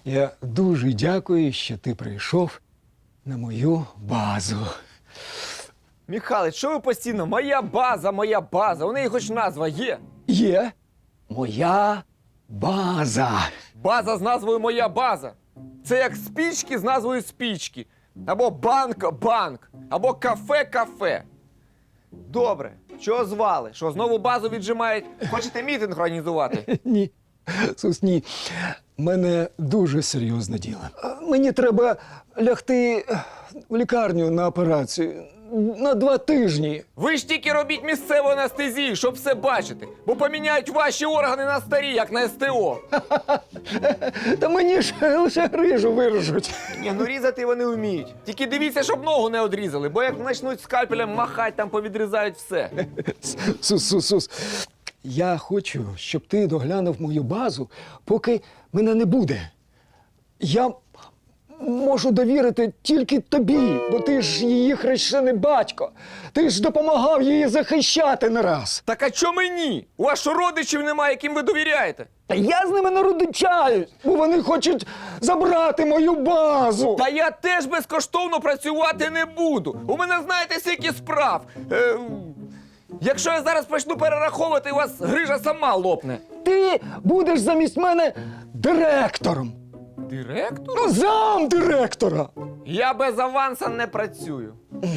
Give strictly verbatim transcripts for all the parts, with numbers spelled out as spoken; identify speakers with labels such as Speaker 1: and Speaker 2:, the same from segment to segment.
Speaker 1: Я дуже дякую, що ти прийшов на мою базу.
Speaker 2: Михайлович, що ви постійно? Моя база, моя база. У неї хоч назва є.
Speaker 1: Є моя база.
Speaker 2: База з назвою «Моя база». Це як спічки з назвою «Спічки». Або банк банк, або кафе кафе. Добре, чого звали? Що, знову базу віджимають? Хочете мітинг організувати?
Speaker 1: Ні, Сус, ні. У мене дуже серйозне діло. Мені треба лягти в лікарню на операцію на два тижні.
Speaker 2: Ви ж тільки робіть місцеву анестезію, щоб все бачити. Бо поміняють ваші органи на старі, як на ес те о.
Speaker 1: Та мені ж лише грижу вирежуть.
Speaker 2: Ні, ну різати вони вміють. Тільки дивіться, щоб ногу не одрізали, бо як почнуть скальпелем махати, там повідрізають все.
Speaker 1: Сус, Сус, Сус. Я хочу, щоб ти доглянув мою базу, поки мене не буде. Я можу довірити тільки тобі, бо ти ж її хрещений батько. Ти ж допомагав її захищати не раз.
Speaker 2: Так а чо мені? У вас що родичів немає, яким ви довіряєте?
Speaker 1: Та я з ними не родичаюсь, бо вони хочуть забрати мою базу.
Speaker 2: Та я теж безкоштовно працювати не буду. У мене, знаєте, скільки справ. Е, якщо я зараз почну перераховувати, у вас грижа сама лопне.
Speaker 1: Ти будеш замість мене директором.
Speaker 2: Директор?
Speaker 1: Ну, зам директора.
Speaker 2: Я без аванса не працюю.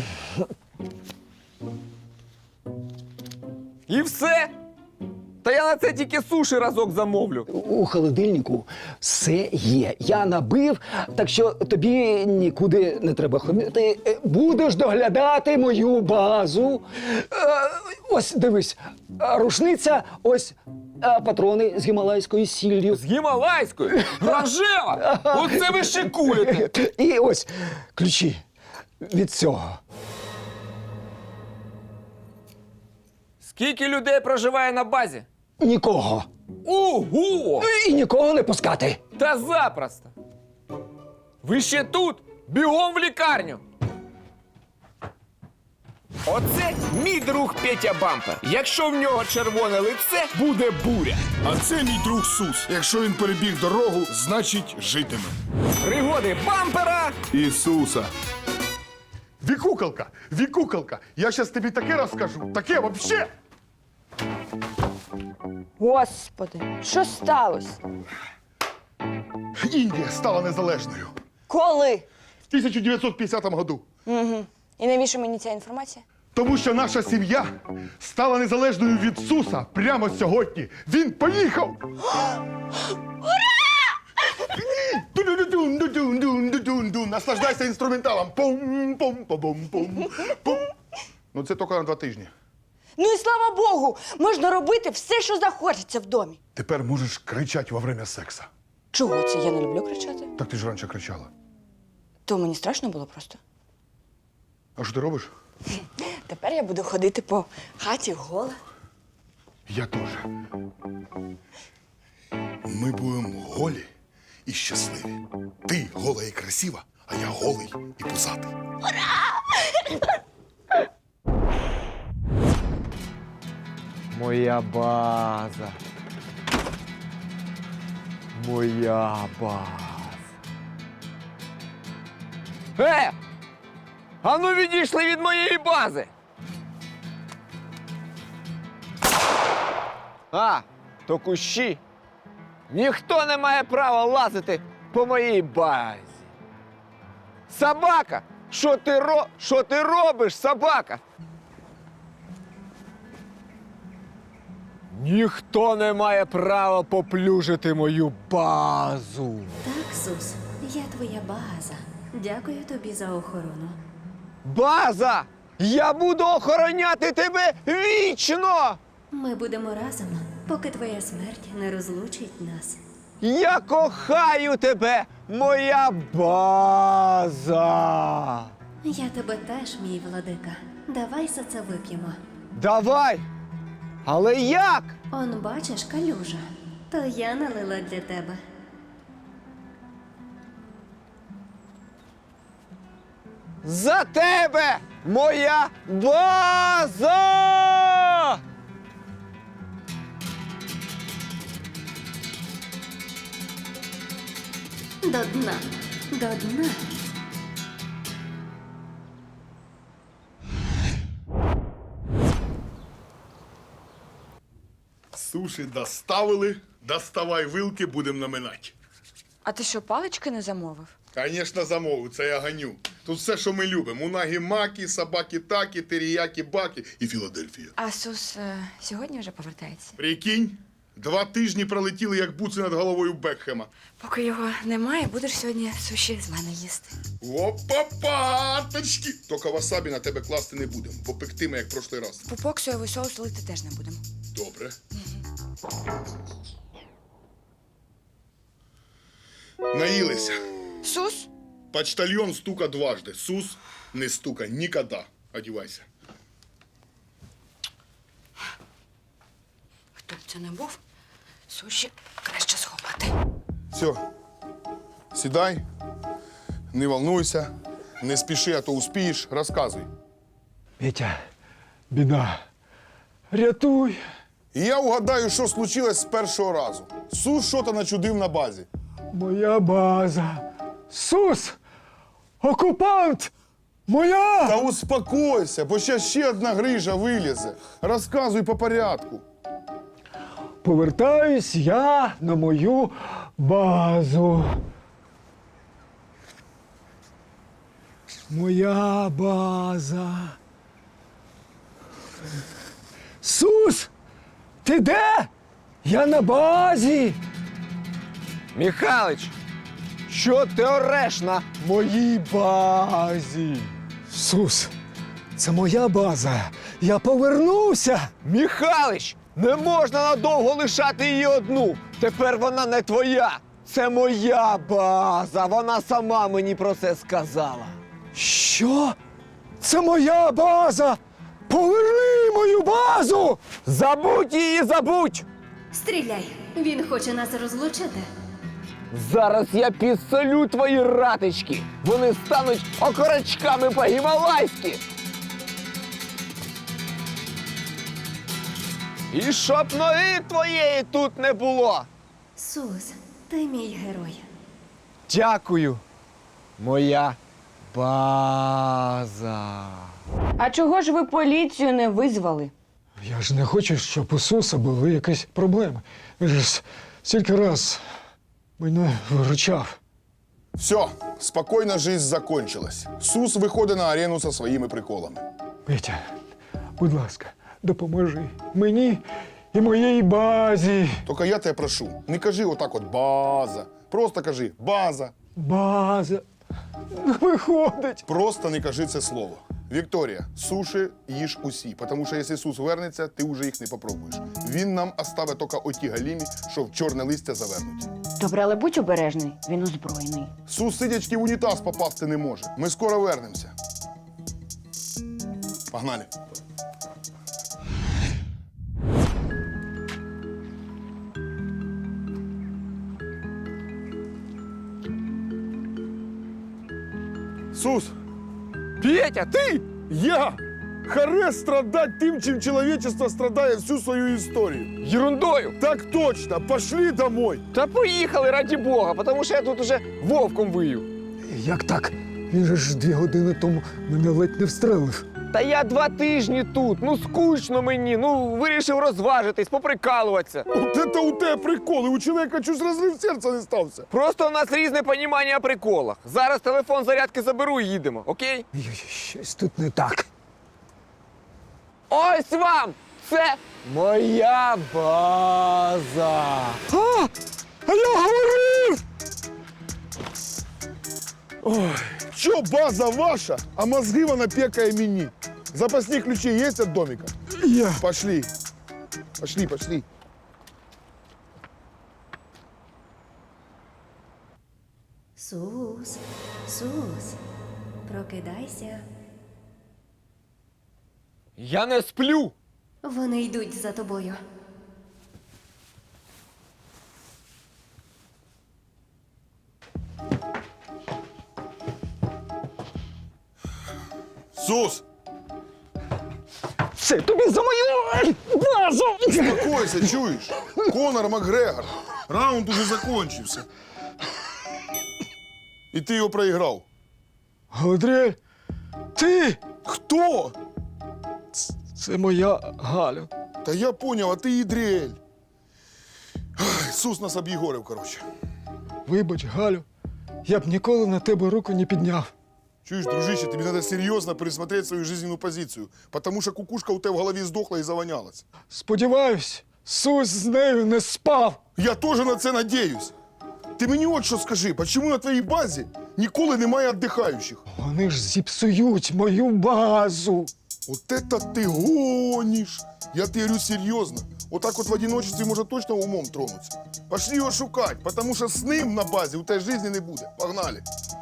Speaker 2: І все? Та я на це тільки суші разок замовлю.
Speaker 1: У холодильнику все є. Я набив, так що тобі нікуди не треба ходити. Е, Будеш доглядати мою базу. Е, Ось, дивись, е, рушниця, ось е, патрони з гімалайською сіллю.
Speaker 2: З гімалайською? Рожева! Оце ви шикуєте!
Speaker 1: І ось ключі від цього.
Speaker 2: Скільки людей проживає на базі?
Speaker 1: Нікого.
Speaker 2: Ого!
Speaker 1: І нікого не пускати.
Speaker 2: Та запросто! Ви ще тут? Бігом в лікарню! Оце мій друг Петя Бампер. Якщо в нього червоне лице, буде буря.
Speaker 3: А це мій друг Сус. Якщо він перебіг дорогу, значить житиме.
Speaker 2: Пригоди бампера!
Speaker 3: Ісуса.
Speaker 4: Вікукалка, Вікукалка, я щас тобі таке розкажу, таке вообще.
Speaker 5: Господи, що сталося?
Speaker 4: Індія стала незалежною
Speaker 5: Коли?
Speaker 4: в тисяча дев'ятсот п'ятдесятому году.
Speaker 5: Угу. І навіщо мені ця інформація?
Speaker 4: Тому що наша сім'я стала незалежною від Суса прямо сьогодні. Він поїхав! Ура! Наслаждайся інструменталом. Пум-пум-пум-пум-пум. Пум. Ну це тільки на два тижні.
Speaker 5: Ну і слава Богу, можна робити все, що захочеться в домі.
Speaker 4: Тепер можеш кричати во время секса.
Speaker 5: Чого це? Я не люблю кричати.
Speaker 4: Так ти ж раніше кричала.
Speaker 5: То мені страшно було просто.
Speaker 4: А що ти робиш?
Speaker 5: Тепер я буду ходити по хаті гола.
Speaker 4: Я теж. Ми будемо голі і щасливі. Ти гола і красива, а я голий і пузатий.
Speaker 2: Моя база. Моя база. Е! А ну відійшли від моєї бази! А, то кущі. Ніхто не має права лазити по моїй базі. Собака! Що ти ро... Що ти робиш, собака? Ніхто не має права поплюжити мою базу.
Speaker 6: Так, Сус, я твоя база. Дякую тобі за охорону.
Speaker 2: База! Я буду охороняти тебе вічно!
Speaker 6: Ми будемо разом, поки твоя смерть не розлучить нас.
Speaker 2: Я кохаю тебе, моя база!
Speaker 6: Я тебе теж, мій владика. Давай за це вип'ємо.
Speaker 2: Давай! Але як?
Speaker 6: Он, бачиш, калюжа. То я налила для тебе.
Speaker 2: За тебе, моя база!
Speaker 6: До дна. До дна.
Speaker 3: Суші доставили, доставай вилки, будемо наминати.
Speaker 5: А ти що, палички не замовив?
Speaker 3: Звісно, замовив, це я ганю. Тут все, що ми любимо. Унагі-макі, собаки-такі, теріякі-баки і Філадельфія.
Speaker 5: А Сус е, сьогодні вже повертається.
Speaker 3: Прикинь, два тижні пролетіли, як буци над головою Бекхема.
Speaker 5: Поки його немає, будеш сьогодні суші з мене їсти.
Speaker 3: Опа-паточки! Тільки васабі на тебе класти не будемо, бо пектиме, як прошлий раз.
Speaker 5: Пупок соєвий соус лити теж не будемо.
Speaker 3: Добре. Наїлися.
Speaker 5: Сус?
Speaker 3: Почтальон стука дважди. Сус не стука ніколи. Одівайся.
Speaker 5: Хто б це не був, суші краще сховати.
Speaker 3: Все. Сідай, не волнуйся, не спіши, а то успієш. Розказуй.
Speaker 1: Петя, біда. Рятуй.
Speaker 3: І я угадаю, що случилось з першого разу. Сус що-то начудив на базі.
Speaker 1: Моя база. Сус! Окупант! Моя!
Speaker 3: Та успокойся, бо ще ще одна грижа вилізе. Розказуй по порядку.
Speaker 1: Повертаюсь я на мою базу. Моя база. Сус! Ти де? Я на базі.
Speaker 2: Михалич, що ти ореш на
Speaker 1: Моїй базі. Сус, це моя база. Я повернувся.
Speaker 2: Михалич, не можна надовго лишати її одну. Тепер вона не твоя. Це моя база. Вона сама мені про це сказала.
Speaker 1: Що? Це моя база. Поверни мою базу.
Speaker 2: Забудь її, забудь!
Speaker 6: Стріляй. Він хоче нас розлучити.
Speaker 2: Зараз я підсолю твої ратички. Вони стануть окорочками по-гімалайськи. І щоб ноги твоєї тут не було.
Speaker 6: Сус, ти мій герой.
Speaker 2: Дякую, моя база.
Speaker 5: А чого ж ви поліцію не визвали?
Speaker 1: Я ж не хочу, щоб у Суса були якісь проблеми. Він ж стільки раз мене виручав.
Speaker 3: Все, спокійна жизнь закончилась. Сус виходить на арену зі своїми приколами.
Speaker 1: Петя, будь ласка, допоможи мені і моїй базі.
Speaker 3: Тільки я тебе прошу, не кажи отак от база. Просто кажи база.
Speaker 1: База. Не виходить.
Speaker 3: Просто не кажи це слово. Вікторія, суші їж усі, тому що якщо Сус вернеться, ти вже їх не попробуєш. Він нам оставить тільки оті галімі, що в чорне листя завернуть.
Speaker 5: Добре, але будь обережний, він озброєний.
Speaker 3: Сус сидячки в унітаз попасти не може. Ми скоро вернемося. Погнали. Сус,
Speaker 2: Петя, ти?
Speaker 3: я харе страдать тим, чим человечество страдає всю свою історію.
Speaker 2: Ерундою.
Speaker 3: Так точно, пошли домой.
Speaker 2: Та поїхали, раді Бога, тому що я тут уже вовком вию.
Speaker 1: Як так? Він же ж дві години тому мене ледь не встрелив.
Speaker 2: Та я два тижні тут, ну скучно мені, ну вирішив розважитись, поприкалуватися.
Speaker 3: От это у тебе приколи, у чоловіка чуть розрив серця не стався.
Speaker 2: Просто у нас різне понімання о приколах. Зараз телефон зарядки заберу і їдемо, окей?
Speaker 1: Ой, щось тут не так.
Speaker 2: Ось вам! Це моя база.
Speaker 1: А! А я говорив!
Speaker 3: Ой, що база ваша, а мозги вона пекає мені. Запасні ключі є від домика?
Speaker 1: Я.
Speaker 3: Пошли. Пошли, пошли.
Speaker 6: Сус, Сус, прокидайся.
Speaker 2: Я не сплю.
Speaker 6: Вони йдуть за тобою.
Speaker 3: Сус,
Speaker 1: Це тобі за мою базу!
Speaker 3: успокойся, чуєш? Конор Макгрегор. Раунд уже закончився. І ти його проіграв.
Speaker 1: Галадріель, ти!
Speaker 3: Хто?
Speaker 1: Це моя Галя.
Speaker 3: Та я поняв, а ти Ідріель. Ай, Сус нас об'єгорив, коротше.
Speaker 1: Вибач, Галю, я б ніколи на тебе руку не підняв.
Speaker 3: Чуєш, дружище, тобі треба серйозно пересмотрети свою жизненну позицію, тому що кукушка у тебе в голові здохла і завонялась.
Speaker 1: Сподіваюсь, Сус з нею не спав.
Speaker 3: Я теж на це надіюсь. Ти мені от що скажи, чому на твоїй базі ніколи немає віддихаючих?
Speaker 1: Вони ж зіпсують мою базу.
Speaker 3: От это ти гониш. Я тебе говорю серйозно. Отак от в одиночестві може точно умом тронуться. Пошли його шукати, тому що з ним на базі у тебе житті не буде. Погнали.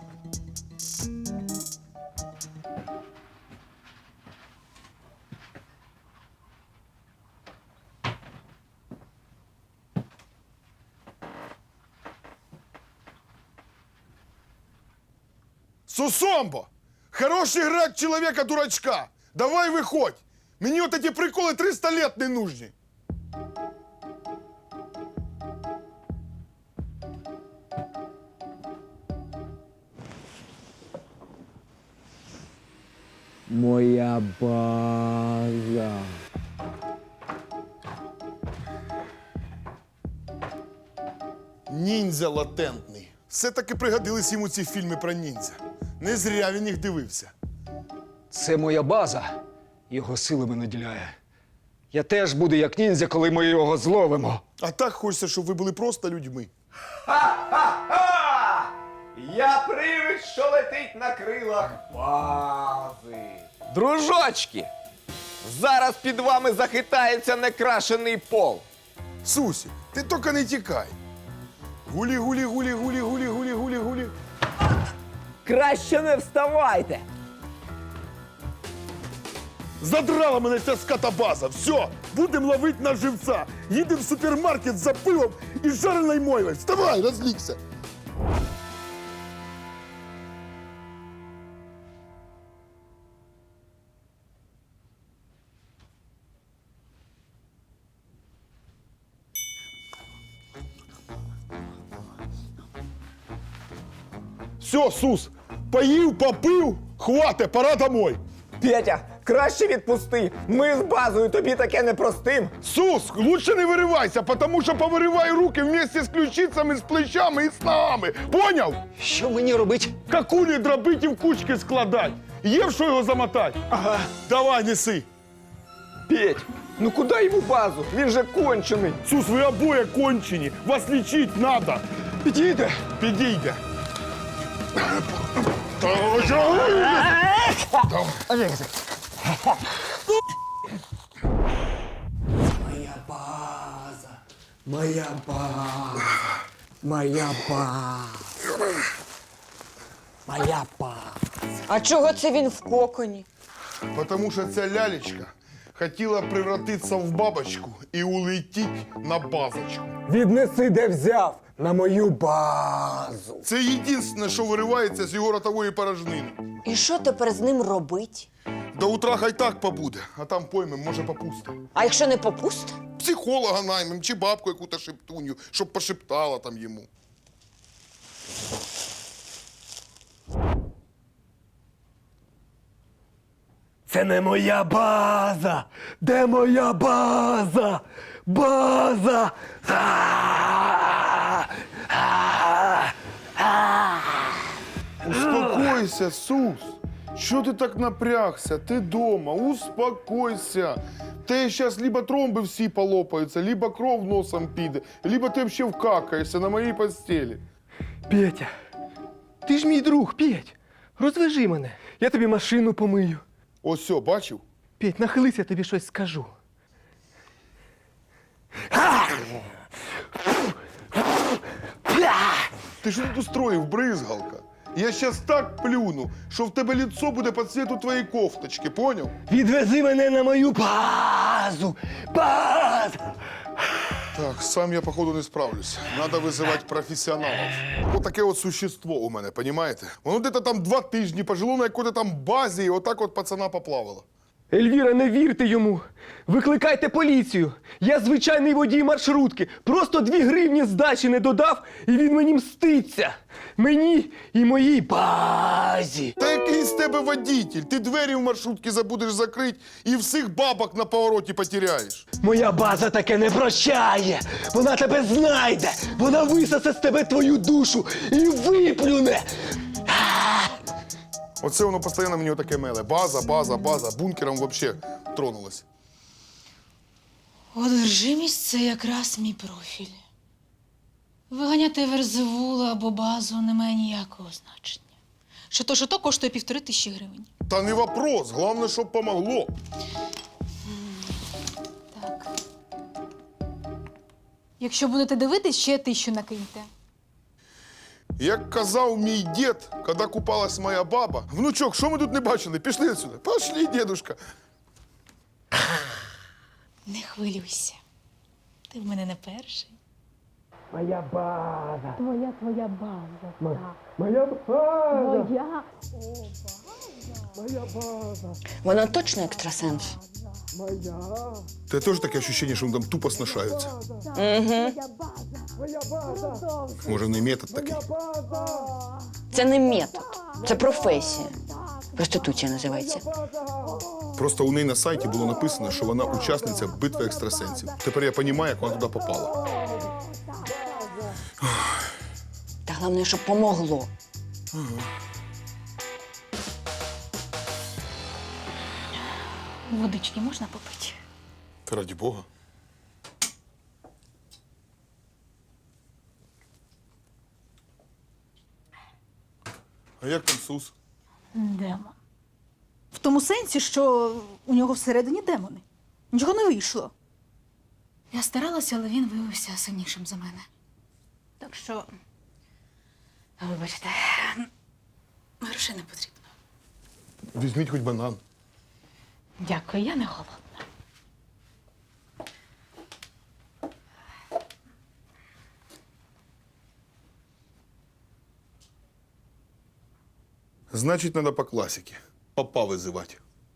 Speaker 3: Сусомбо! Хороший грак человека-дурачка! Давай виходь! Мені от эти приколи триста лет не нужні!
Speaker 2: Моя база.
Speaker 3: Ніндзя латентний. Все-таки пригодились йому ці фільми про ніндзя. Не зря він їх дивився.
Speaker 1: Це моя база. Його силами наділяє. Я теж буду як ніндзя, коли ми його зловимо.
Speaker 3: А так хочеться, щоб ви були просто людьми.
Speaker 2: Я привид, що летить на крилах бази. Дружочки, зараз під вами захитається некрашений пол.
Speaker 3: Сусі, ти тільки не тікай. Гулі, гулі, гулі, гулі, гулі, гулі, гулі, гулі.
Speaker 2: Краще не вставайте.
Speaker 3: Задрала мене ця скотобаза. Все, будемо ловити на живця. Їдемо в супермаркет за пивом і жареною мойвою. Вставай, розлігся. Все, Сус, поїв, попив, хвате, пора домой.
Speaker 2: Петя, краще відпусти. Ми з базою тобі таке не простим.
Speaker 3: Сус, лучше не виривайся, потому що повириваю руки вместе з ключицями, з плечами і з ногами. Поняв?
Speaker 1: Що мені робити?
Speaker 3: Какулі дробить і в кучки складать. Є в що його замотати?
Speaker 1: Ага.
Speaker 3: Давай, неси.
Speaker 2: Петь, ну куди йому базу? Він же кончений.
Speaker 3: Сус, ви обоє кончені. Вас лічить надо.
Speaker 1: Підійде.
Speaker 3: Підійде.
Speaker 1: Моя база. Моя база. Моя база. Моя база.
Speaker 5: А чого це він в коконі?
Speaker 3: Потому що ця лялечка хотіла превратитися в бабочку і улетіть на базочку.
Speaker 1: Віднеси, де взяв. На мою базу.
Speaker 3: Це єдине, що виривається з його ротової порожнини.
Speaker 5: І що тепер з ним робить?
Speaker 3: До утра хай так побуде, а там поймем, може попусти.
Speaker 5: А якщо не попусти?
Speaker 3: Психолога наймем чи бабку яку-то шептуню, щоб пошептала там йому.
Speaker 1: Це не моя база. Де моя база? База. А! А! А!
Speaker 3: Успокойся, Сус. Що ти так напрягся? Ти дома, успокойся. Те зараз либо тромби всі полопаються, либо кров носом піде, либо ти взагалі вкакаєшся на моїй постелі.
Speaker 7: Петя, ти ж мій друг, Петь. Розвяжи мене. Я тобі машину помию.
Speaker 3: Ось все, бачив?
Speaker 7: Петь, нахились, я тобі щось скажу.
Speaker 3: Ти що тут устроїв, бризгалка? Я щас так плюну, що в тебе лицо буде по цвету твоєї кофточки, поняв?
Speaker 7: Відвези мене на мою базу. База!
Speaker 3: Так, сам я, походу, не справлюсь. Надо визивати професіоналів. Ось таке от существо у мене, понімаєте? Воно десь там два тижні пожило на якій-то там базі і отак от пацана поплавало.
Speaker 7: Ельвіра, не вірте йому. Викликайте поліцію. Я звичайний водій маршрутки. Просто дві гривні здачі не додав, і він мені мститься. мені і моїй базі.
Speaker 3: Та який з тебе водитель? Ти двері в маршрутці забудеш закрити і всіх бабок на повороті потеряєш.
Speaker 7: Моя база таке не прощає. Вона тебе знайде. Вона висосе з тебе твою душу і виплюне.
Speaker 3: Оце воно постійно мені отаке меле. База, база, база. Бункером взагалі тронулось.
Speaker 8: Одержимість – це якраз мій профіль. Виганяти верзевулу або базу не має ніякого значення. Що то, що то коштує півтори тисячі гривень.
Speaker 3: Та не вопрос, головне, щоб помогло.
Speaker 8: Так. Якщо будете дивитись, ще тисячу накиньте.
Speaker 3: Як казав мій дід, коли купалась моя баба, внучок, що ми тут не бачили? Пішли отсюда. Пошли, дедушка.
Speaker 8: Не хвилюйся. Ти в мене не перший.
Speaker 7: Моя база.
Speaker 8: Твоя, твоя база. Так.
Speaker 7: Моя база.
Speaker 8: Твоя.
Speaker 7: Моя база.
Speaker 5: Вона точно екстрасенс.
Speaker 7: Моя.
Speaker 3: Та теж таке відчуття, що вони там тупо сношаються.
Speaker 5: Угу.
Speaker 7: Моя база.
Speaker 3: Може, не метод такий?
Speaker 5: Це не метод, це професія. Проституція називається.
Speaker 3: Просто у неї на сайті було написано, що вона учасниця битви екстрасенсів. Тепер я розумію, як вона туди попала.
Speaker 5: Та головне, щоб помогло.
Speaker 8: Водички можна попити?
Speaker 3: Та раді Бога. А як там Сус?
Speaker 8: Демон. В тому сенсі, що у нього всередині демони. Нічого не вийшло. Я старалася, але він виявився сильнішим за мене. Так що, вибачте, грошей не потрібно.
Speaker 3: Візьміть хоч банан.
Speaker 8: Дякую, я не голодна.
Speaker 3: Значить, треба по класіки. Папа визивати.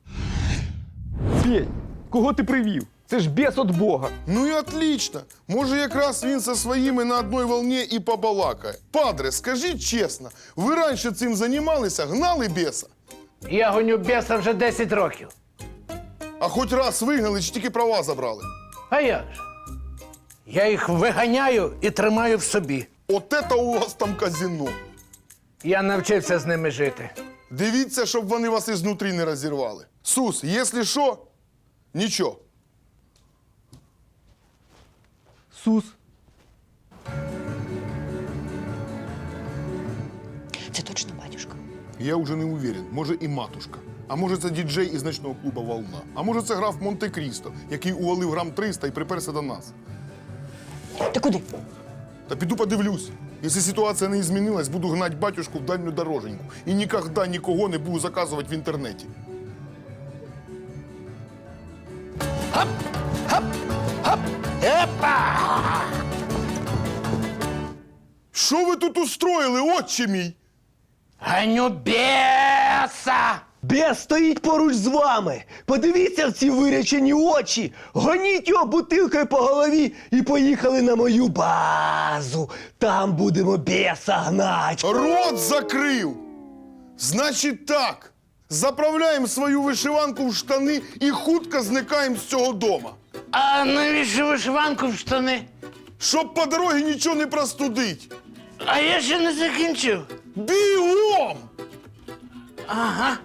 Speaker 2: Петь, кого ти привів? Це ж бес від Бога.
Speaker 3: Ну і отлично. Може, якраз він зі своїми на одній волні і побалакає. Падре, скажіть чесно, ви раніше цим займалися, гнали беса?
Speaker 9: Я гоню беса вже десять років.
Speaker 3: А хоч раз вигнали, чи тільки права забрали?
Speaker 9: А як же? Я їх виганяю і тримаю в собі.
Speaker 3: От це у вас там казино.
Speaker 9: Я навчився з ними жити.
Speaker 3: Дивіться, щоб вони вас ізнутрі не розірвали. Сус, якщо що, нічого.
Speaker 7: Сус.
Speaker 5: Це точно батюшка.
Speaker 3: Я вже не уверен. Може і матушка. А може це діджей із ночного клубу «Волна». А може це граф Монте-Крісто, який увалив грам триста і приперся до нас.
Speaker 5: Ти куди?
Speaker 3: Та піду подивлюсь. Якщо ситуація не змінилась, буду гнати батюшку в дальню дороженьку. І ніколи нікого не буду заказувати в інтернеті. Що ви тут устроїли, отче мій?
Speaker 9: Ганю беса!
Speaker 7: Бес стоїть поруч з вами. Подивіться в ці вирячені очі. Гоніть його бутилкою по голові і поїхали на мою базу. Там будемо беса гнать.
Speaker 3: Рот закрив! Значить так. Заправляємо свою вишиванку в штани і хутко зникаємо з цього дома.
Speaker 9: А навіщо вишиванку в штани?
Speaker 3: Щоб по дорозі нічого не простудить.
Speaker 9: А я ще не закінчив.
Speaker 3: Бігом!
Speaker 9: Ага.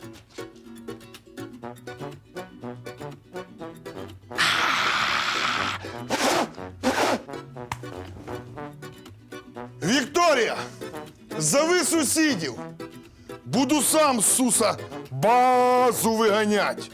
Speaker 3: Вікторія, зови сусідів. Буду сам, Суса, базу виганять.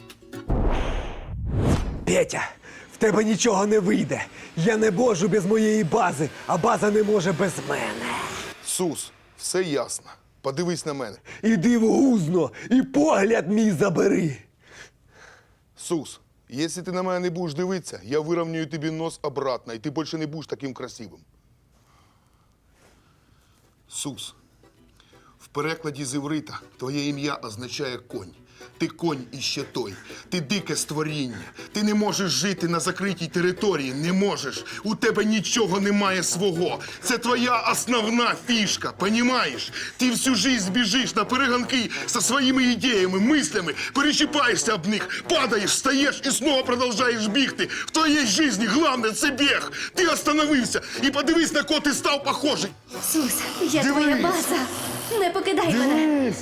Speaker 7: Петя, в тебе нічого не вийде. Я не можу без моєї бази, а база не може без мене.
Speaker 3: Сус, все ясно. Подивись на мене.
Speaker 7: Іди в гузно і погляд мій забери.
Speaker 3: Сус, якщо ти на мене не будеш дивитися, я вирівнюю тобі нос обратно, і ти більше не будеш таким красивим. Сус,
Speaker 4: В перекладі з іврита твоє ім'я означає конь. Ти конь іще той. Ти дике створіння. Ти не можеш жити на закритій території. Не можеш. У тебе нічого немає свого. Це твоя основна фішка, понімаєш? Ти всю жизнь біжиш на перегонки зі своїми ідеями, мислями, перечіпаєшся об них, падаєш, встаєш і знову продовжуєш бігти. В твоїй житті головне – це біг. Ти остановився і подивись, на кого ти став похожий.
Speaker 6: Сус, я
Speaker 4: Дивись.
Speaker 6: твоя база. Не покидай мене.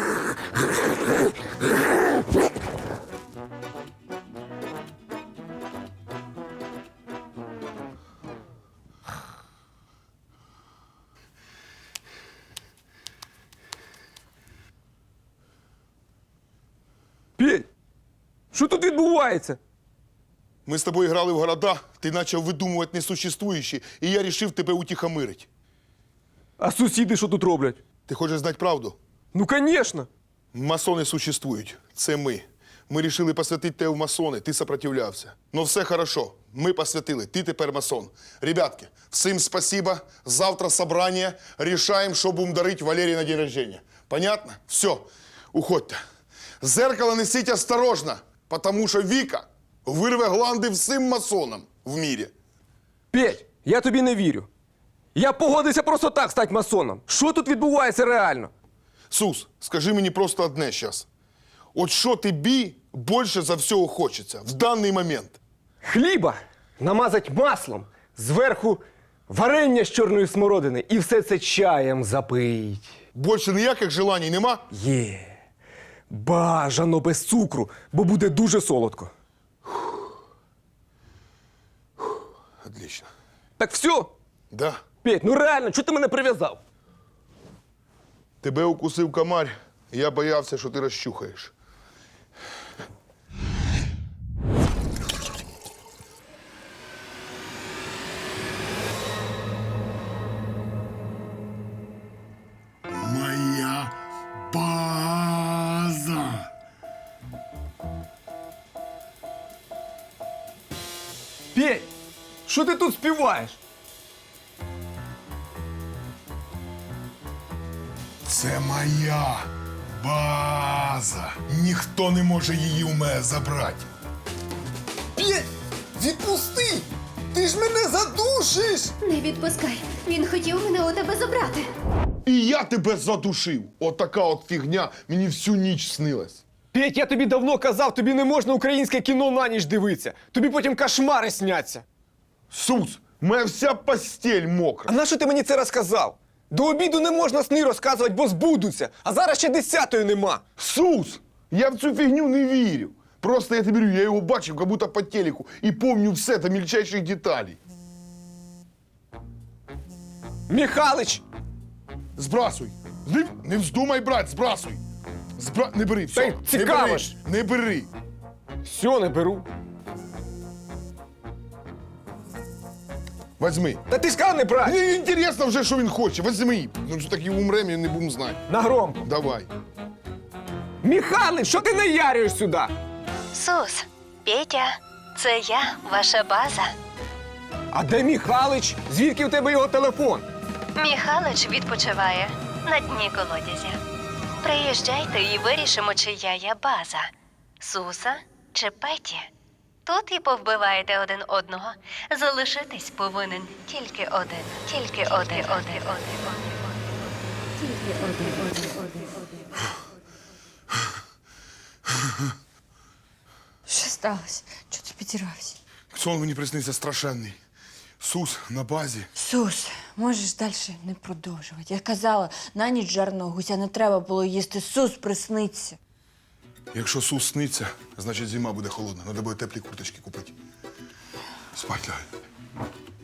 Speaker 2: Петь, що тут відбувається?
Speaker 4: Ми з тобою грали в города, ти почав видумувати несуществуючі, і я вирішив тебе утихомирити.
Speaker 2: А сусіди що тут роблять?
Speaker 4: Ти хочеш знати правду?
Speaker 2: Ну, звісно.
Speaker 4: Масони существують. Це ми. Ми вирішили посвятити тебе в масони, ти сопротивлявся. Ну все хорошо, ми посвятили, ти тепер масон. Ребятки, всім спасибо, завтра собрання, рішаємо, що будемо дарити Валерії на день рождения. Понятно? Все, уходьте. Зеркало несіть осторожно, тому що Віка вирве гланди всім масонам в мірі.
Speaker 2: Петь, я тобі не вірю. Я погодився просто так стати масоном. Що тут відбувається реально?
Speaker 4: Сус, скажи мені просто одне зараз. От що тобі більше за всього хочеться в даний момент?
Speaker 2: Хліба намазать маслом, зверху варення з чорної смородини і все це чаєм запить.
Speaker 4: Більше ніяких желань нема?
Speaker 2: Є. Бажано без цукру, бо буде дуже солодко.
Speaker 4: Отлично.
Speaker 2: Так все?
Speaker 4: Да.
Speaker 2: Петь, ну реально, чого ти мене прив'язав?
Speaker 4: Тебе укусив комар, і я боявся, що ти розчухаєш. Моя база.
Speaker 2: Петь, що ти тут співаєш?
Speaker 4: Це моя база. Ніхто не може її у мене забрати.
Speaker 1: П'ять! Відпусти! Ти ж мене задушиш!
Speaker 6: Не відпускай. Він хотів мене у тебе забрати.
Speaker 4: І я тебе задушив. Отака от фігня мені всю ніч снилась.
Speaker 2: Петь, я тобі давно казав, тобі не можна українське кіно на ніч дивитися. Тобі потім кошмари сняться.
Speaker 4: Сус, моя вся постель мокра.
Speaker 2: А нащо ти мені це розказав? До обіду не можна сни розказувати, бо збудуться. А зараз ще десятої нема.
Speaker 4: Сус, я в цю фігню не вірю. Просто я тобі говорю, я його бачив, як будто по телеку, і помню все до мельчайших деталей.
Speaker 2: Михалич!
Speaker 4: Збрасуй. Не, не вздумай брати, збрасуй. Збра... Не бери, все.
Speaker 2: Та й цікаво
Speaker 4: не бери.
Speaker 2: ж.
Speaker 4: Не бери.
Speaker 2: Все, не беру.
Speaker 4: Возьми.
Speaker 2: Та ти ж сказав не брати.
Speaker 4: Мені інтересно вже, що він хоче. Возьми. Ну, що так і умремо, і не будемо знати.
Speaker 2: На громко.
Speaker 4: Давай.
Speaker 2: Михалич, що ти наярюєш сюди?
Speaker 6: Сус, Петя, це я, ваша база.
Speaker 2: А де Михалич? Звідки у тебе його телефон?
Speaker 6: Міхалич відпочиває на дні колодязя. Приїжджайте і вирішимо, чия я база. Суса чи Петі. Тут і повбиваєте один одного. Залишитись повинен тільки один. Тільки один, один, один, один. Тільки один, один, один, один.
Speaker 5: Що сталося? Чого ти підірвався?
Speaker 4: Сон мені приснився страшенний. Сус на базі.
Speaker 5: Сус, можеш далі не продовжувати. Я казала, на ніч жарного гуся не треба було їсти. Сус присниться.
Speaker 4: Якщо Сус сниться, значить зима буде холодна. Треба буде теплі курточки купити. Спать лягай.